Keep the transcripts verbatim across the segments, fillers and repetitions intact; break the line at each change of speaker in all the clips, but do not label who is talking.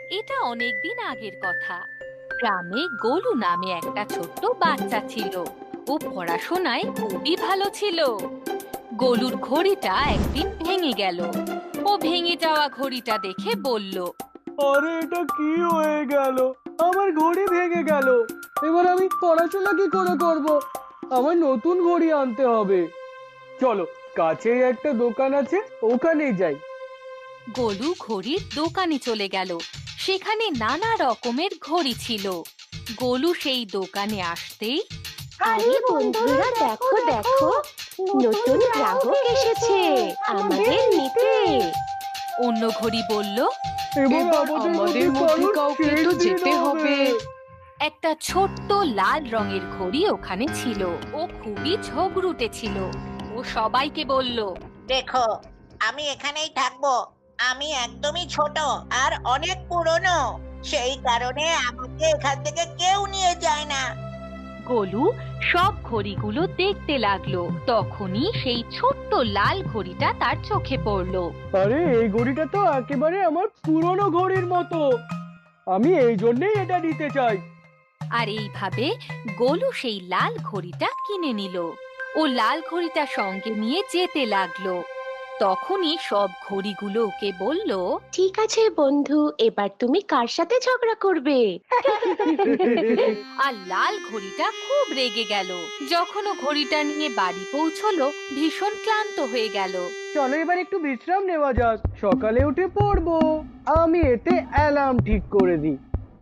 এটা অনেকদিন আগের কথা। গ্রামে গোলু নামে একটা ছোট্ট বাচ্চা ছিল। ও পড়াশোনায় খুবই ভালো ছিল। গোলুর ঘড়িটা একদিন ভেঙে গেল। ও ভেঙে যাওয়া ঘড়িটা দেখে বলল,
আরে এটা কি হয়ে গেল? আমার ঘড়ি ভেঙে গেল। এবার আমি পড়াশোনা কি করে করব? আমার নতুন ঘড়ি আনতে হবে। চলো, কাছেই একটা দোকান আছে, ওখানেই যাই।
গোলু ঘড়ির দোকানে চলে গেল। সেখানে নানা রকমের ঘড়ি ছিল। গোলু সেই দোকানে আসতেই,
আরে বন্ধুরা, দেখো দেখো, নতুন গ্রাহক এসেছে আমাদের নিতে।
অন্য ঘড়ি বলল,
এবার আমাদের মধ্যে কাউকে তো যেতে হবে।
একটা ছোট্ট লাল রঙের ঘড়ি ওখানে ছিল। ও খুবই ঝগড়ুটে ছিল। ও সবাইকে বলল,
দেখো, আমি এখানেই থাকবো। আমি একদমই ছোট আর অনেক পুরনো, সেই কারণে আমাকে এখান থেকে কেউ নিয়ে যায় না।
গোলু সব ঘড়িগুলো দেখতে লাগলো। তখনই সেই ছোট্ট লাল ঘড়িটা তার চোখে পড়লো।
আরে এই ঘড়িটা তো একেবারে আমার পুরনো ঘড়ির মতো। আমি এই জন্যই এটা নিতে চাই।
আর এইভাবে গোলু সেই লাল ঘড়িটা কিনে নিল। ও লাল ঘড়িটা সঙ্গে নিয়ে যেতে লাগলো। তখনই সব ঘড়িগুলো ওকে বলল,
ঠিক আছে বন্ধু, এবার তুমি কার সাথে ঝগড়া করবে?
আর লাল ঘড়িটা খুব রেগে গেল। যখন ও ঘড়িটা নিয়ে বাড়ি পৌঁছলো, ভীষণ ক্লান্ত হয়ে গেল।
চলো এবার একটু বিশ্রাম নেওয়া যাক, সকালে উঠে পড়বো। আমি এতে অ্যালার্ম ঠিক করে দিই।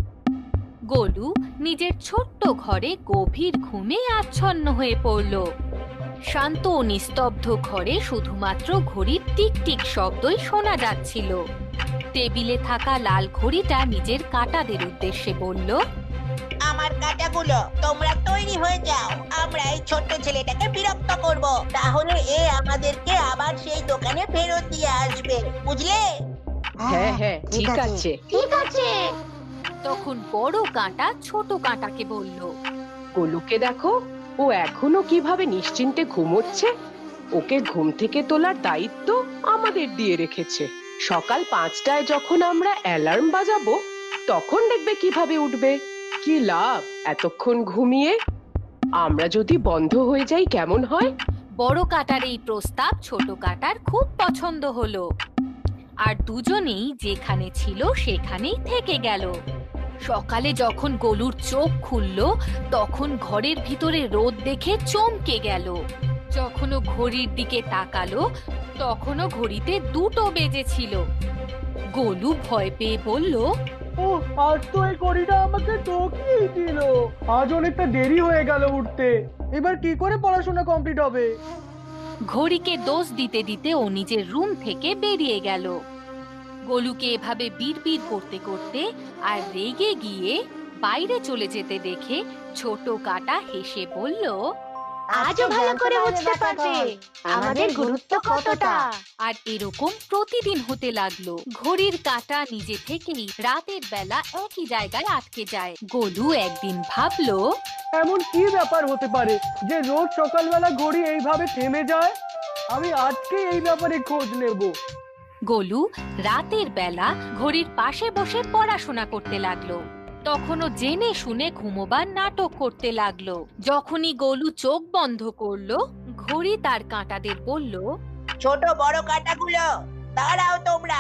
গোলু নিজের ছোট্ট ঘরে গভীর ঘুমে আচ্ছন্ন হয়ে পড়ল। শান্ত ও নিস্তব্ধ ঘরে শুধুমাত্র ঘড়ির টিকটিক শব্দই শোনা যাচ্ছিল। টেবিলে থাকা লাল ঘড়িটা নিজের কাঁটাদের উদ্দেশ্যে বলল,
আমার কাঁটাগুলো, তোমরা তৈরি হয়ে যাও। আমরা এই ছোট্ট ছেলেটাকে বিরক্ত করব, তাহলে এ আমাদেরকে আবার সেই দোকানে ফেরত দিয়ে আসবে, বুঝলে?
হ্যাঁ হ্যাঁ, ঠিক আছে।
ঠিক আছে।
তখন বড় কাঁটা ছোট কাঁটাকে বলল,
গোলুকে দেখো, ও এখনো কিভাবে নিশ্চিন্তে ঘুমোচ্ছে। ওকে ঘুম থেকে তোলার দায়িত্ব আমাদের দিয়ে রেখেছে। সকাল পাঁচটায় যখন আমরা অ্যালার্ম বাজাবো, তখন দেখবে কিভাবে উঠবে। কি লাভ এতক্ষণ ঘুমিয়ে? আমরা যদি বন্ধ হয়ে যাই কেমন হয়?
বড় কাঁটার এই প্রস্তাব ছোট কাঁটার খুব পছন্দ হলো। আর দুজনেই যেখানে ছিল সেখানেই থেকে গেল। সকালে যখন গোলুর চোখ খুলল, তখন ঘরের ভিতরে রোদ দেখে চমকে গেল। যখন ও ঘড়ির দিকে তাকালো, তখনও ঘড়িতে দুটো বেজেছিল। গোলু ভয় পেয়ে বলল,
ও, আজ তো এই ঘড়িটা আমাকে ঠকিয়েই দিল। আজ অনেকটা দেরি হয়ে গেল উঠতে। এবার কি করে পড়াশোনা কমপ্লিট হবে?
ঘড়িকে দোষ দিতে দিতে ও নিজের রুম থেকে বেরিয়ে গেল। গোলুকে এভাবে বিড়বিড় করতে করতে আর রেগে গিয়ে বাইরে চলে যেতে দেখে ছোট কাঁটা হেসে বলল,
আজও ভালো করে বুঝতে পারবে আমাদের গুরুত্ব কতটা।
আর এরকম প্রতিদিন হতে লাগলো। ঘড়ির কাঁটা নিজে থেকেই রাতের বেলা একই জায়গায় আটকে যায়। গোলু একদিন ভাবলো,
এমন কি ব্যাপার হতে পারে যে রোজ সকালবেলা ঘড়ি এইভাবে থেমে যায়? আমি আজকে এই ব্যাপারে খোঁজ নেব।
গোলু রাতের বেলা ঘড়ির পাশে বসে পড়াশোনা করতে লাগলো। তখনও জেনে শুনে ঘুমোবার নাটক করতে লাগলো। যখনই গোলু চোখ বন্ধ করলো, ঘড়ি তার কাঁটাদের বলল,
ছোট বড় কাঁটাগুলো, দাঁড়াও তোমরা।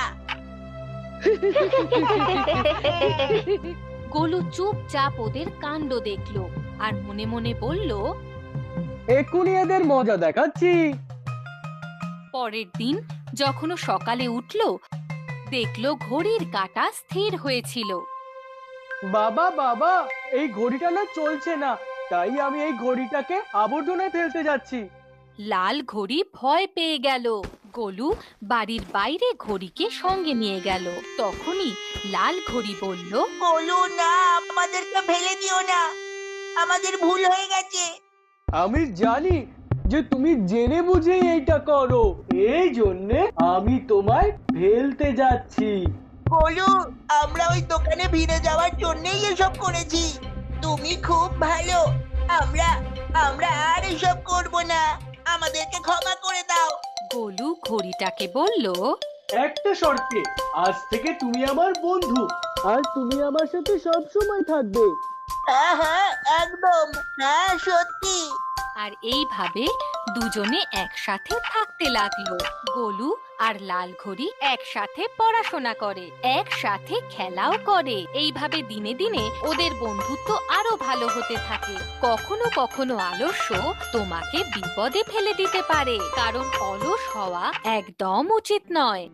গোলু চুপচাপ ওদের কাণ্ড দেখলো আর মনে মনে বলল,
এক্ষুনি এদের মজা দেখাচ্ছি।
পরের দিন যখন ও সকালে উঠলো, দেখলো ঘড়ির কাঁটা স্থির হয়েছিল।
বাবা বাবা, এই ঘড়িটা না চলছে না, তাই আমি এই ঘড়িটাকে আবর্জনায় ফেলতে যাচ্ছি।
লাল ঘড়ি ভয় পেয়ে গেল। গোলু বাড়ির বাইরে ঘড়িকে সঙ্গে নিয়ে গেল। তখনই লাল ঘড়ি বলল,
বলো না, আমাদেরকে ফেলে দিও না, আমাদের ভুল হয়ে গেছে।
আমি জানি যে তুমি জেনে বুঝেই এইটা করো, এই জন্যে আমি তোমায় ফেলতে যাচ্ছি।
বলো, আমরা ওই দোকানে ভিড়ে যাওয়ার জন্যই এসব করেছি। তুমি খুব ভালো। আমরা আমরা আর এসব করব না, আমাদেরকে ক্ষমা করে দাও।
গোলু ঘড়িটাকে বলল,
একটা শর্তে, আজ থেকে তুমি আমার বন্ধু আর তুমি আমার সাথে সব সময় থাকবে।
হ্যাঁ হ্যাঁ একদম, হ্যাঁ সত্যি।
আর এইভাবে দুজনে একসাথে থাকতে লাগলো। গোলু আর লাল ঘড়ি একসাথে পড়াশোনা করে, একসাথে খেলাও করে। এইভাবে দিনে দিনে ওদের বন্ধুত্ব আরো ভালো হতে থাকে। কখনো কখনো আলস্য তোমাকে বিপদে ফেলে দিতে পারে, কারণ অলস হওয়া একদম উচিত নয়।